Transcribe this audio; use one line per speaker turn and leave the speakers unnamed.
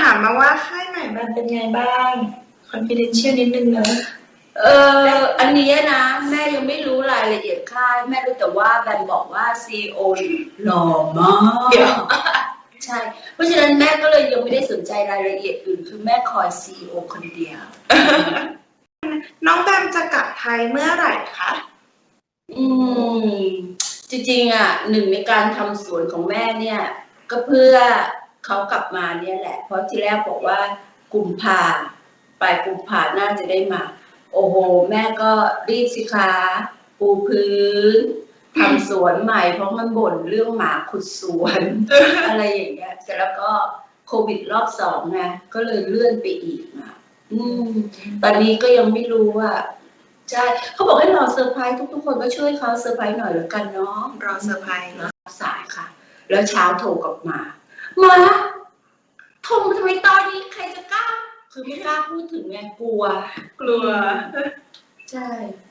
ามมาว่าค่ายใหม่มันเป็นไงบ้าง confidential นิดนึงเนอะ
อันนี้นะแม่ยังไม่รู้รายละเอียดค่ายแม่รู้แต่ว่าแบมบอกว่า CEO หล่อมากใช่เพราะฉะนั้นแม่ก็เลยยังไม่ได้สนใจรายละเอียดอื่นคือแม่คอย CEO คนเดียว
น้องแบมจะกลับไทยเมื่อไหร่คะ
จริงๆอ่ะหนึ่งในการทำสวนของแม่เนี่ยก็เพื่อเขากลับมาเนี่ยแหละเพราะที่แรกบอกว่ากุมภาปลายกุมภาน่าจะได้มาโอ้โหแม่ก็รีบสิคะปูพื้นทำสวนใหม่เพราะมันบ่นเรื่องหมาขุดสวนอะไรอย่างเงี้ยเสร็จแล้วก็โควิดรอบ2ไงก็เลยเลื่อนไปอีกนะตอนนี้ก็ยังไม่รู้ว่าใช่เขาบอกให้รอเซอร์ไพรส์ทุกคนก็ช่วยเขาเซอร์ไพรส์หน่อยแล้วกันเนาะ
รอเซอร์ไพรส์เนาะ
สายค่ะแล้วเช้าโทรกลับมาโทรมาทำไมตอนนี้ใครจะกล้าคือไม่กล้าพูดถึงไงกลัว
ใช่